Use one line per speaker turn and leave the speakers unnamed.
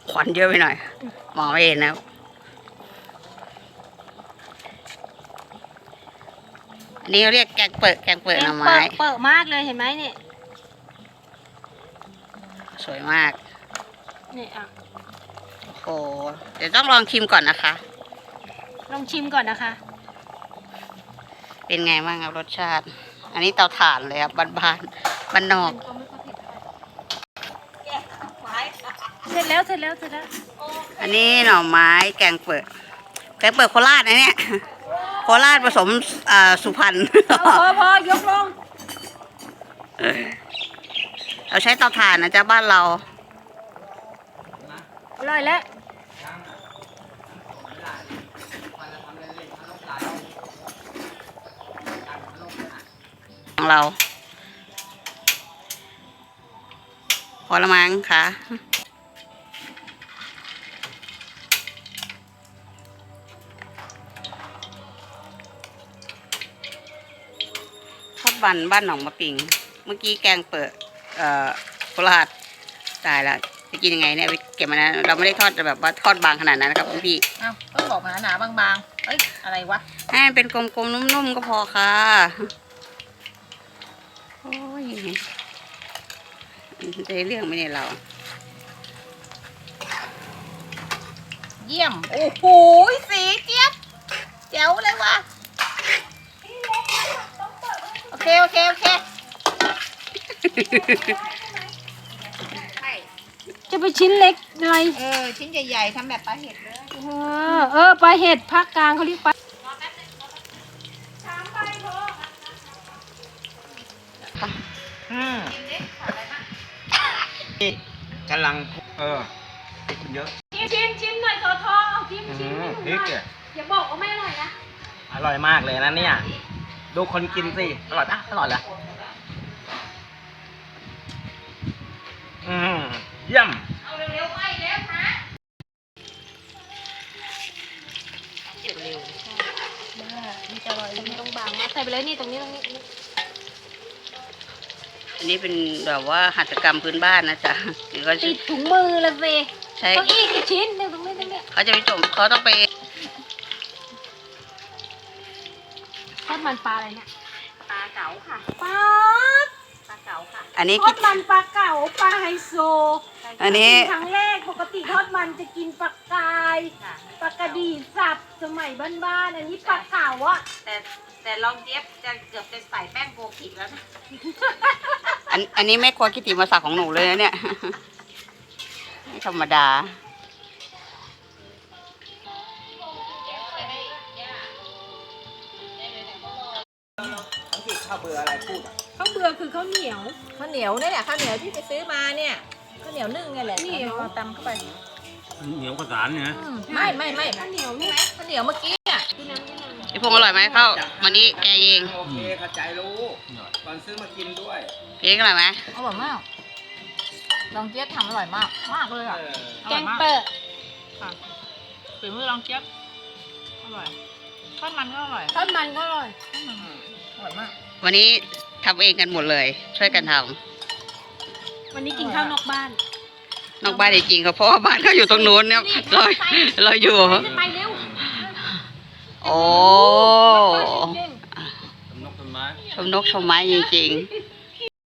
ควันเยอะไปหน่อยมองไม่เห็นนะอันนี้เขาเรียกแกงเปิดหน่อไม้
เปิดมากเลยเห็นไหมเนี่ย
สวยมาก
นี่อ่ะ
โอ้เดี๋ยวต้องลองชิมก่อนนะคะ
ลองชิมก่อนนะคะ
เป็นไงบ้างครับรสชาติอันนี้เตาถ่านเลยครับบ้านนอก
เสร็จแล้ว
อันนี้หน่อไม้แกงเปิดโคราชนะเนี่ยโคราชผสมสุพรรณ
พอยกลง
เราใช้เตาถ่านนะจ๊ะบ้านเรา
อร่อยแล้ว
ของเราพอละมั้งค่ะทอดบ้านหนองมะปิงเมื่อกี้แกงเปิดโคราชตายแล้วจะกินยังไงเนี่ยเก็บมานะเราไม่ได้ทอดแบบว่าทอดบางขนาดนั้นนะครับพี่
อ้าวต้องบอกหนาบางๆเอ้ยอะไรวะ
ให้เป็นกลมๆนุ่มๆก็พอค่ะโอ้ยได้เรื่องไหมเนี่ยเรา
เยี่ยมโอ้โหสีเจี๊ยบแจ๋วเลยว่ะโอเคจะไปชิ้นเล็กอะไร
ชิ้นใหญ่ๆทำแบบปลาเห็ดเลย
ปลาเห็ดภาคกลางเขาเรียกปลา
กำลังเยอะ
ชิมหน่อยทอเอาชิม
พริกเนี่ย
อย่าบอกว่าไม่อร่อยนะ
อร่อยมากเลยนะเนี่ยดูคนกินสิอร่อยปะอร่อยเหรอเยี่ยม
เอาเร็วๆไปแล้วนะเร็วๆมันจะอร่อยต้องบางมาใส่ไปเลยนี่ตรงนี้
อันนี้เป็นแบบว่าหัตถกรรมพื้นบ้านนะจ๊ะ
ติดถุงมือละสิ
ใช่
ต้องอีกชิ้นเดี๋ยวตรงนี้
เขาจะไปจมเขาต้องไป
ทอดมันปลาอะไรเนี่ยปลาเก๋าค่ะปลาเก๋าค่ะ
อันนี้
ทอดมันปลาเก๋าปลาไฮโซ
อันนี้
ครั้งแรกปกติทอดมันจะกินปลากายปลากระดีสับสมัยบ้านๆอันนี้ปลาเก๋าอ่ะ
แต่ลองเจี๊ยบจะเกือบจะใส่แป้งโกกิแล้วนะ
อันนี้แม่ครัวกิติมาศักดิ์ของหนูเลยนะเนี่ยไม่ธรรมดา
ข้าวเบื่ออะไรพูด
ข้าวเบื่อคือข้าวเหนียว
เนี่ยแหละข้าวเหนียวที่ไปซื้อมาเนี่ยข้าวเหนียวนึ่งไงแหละ
เหนียว
ตำเข้าไป
เหนียวกระสานเนี่ย
ไม่
ข้าวเหนียวนี่
ข้าวเหนียวเมื่อกี้อ่ะ
พี่พงษ์อร่อยไหมข้าววันนี้แกเอง
โอเคเข้าใจรู้ก่อนซื้อมากินด้วย
เองอร่อยไหม
อร่อยมากลองเจี๊ยบทำอร่อยมากเลยอ่ะ
แกงเปิด
ฝีมือลองเจี๊ยบอร่อยทอดมันก็อร่อย
อร่อย
มาก
วันนี้ทำเองกันหมดเลยช่วยกันท
ำวันนี้กินข้าวนอกบ้าน
จริงๆเขาเพราะว่าบ้านเขาอยู่ตรงนู้นเนี่ยเราอยู่
ไปเร็ว
โอ้ชมนกชมไม้จริงๆ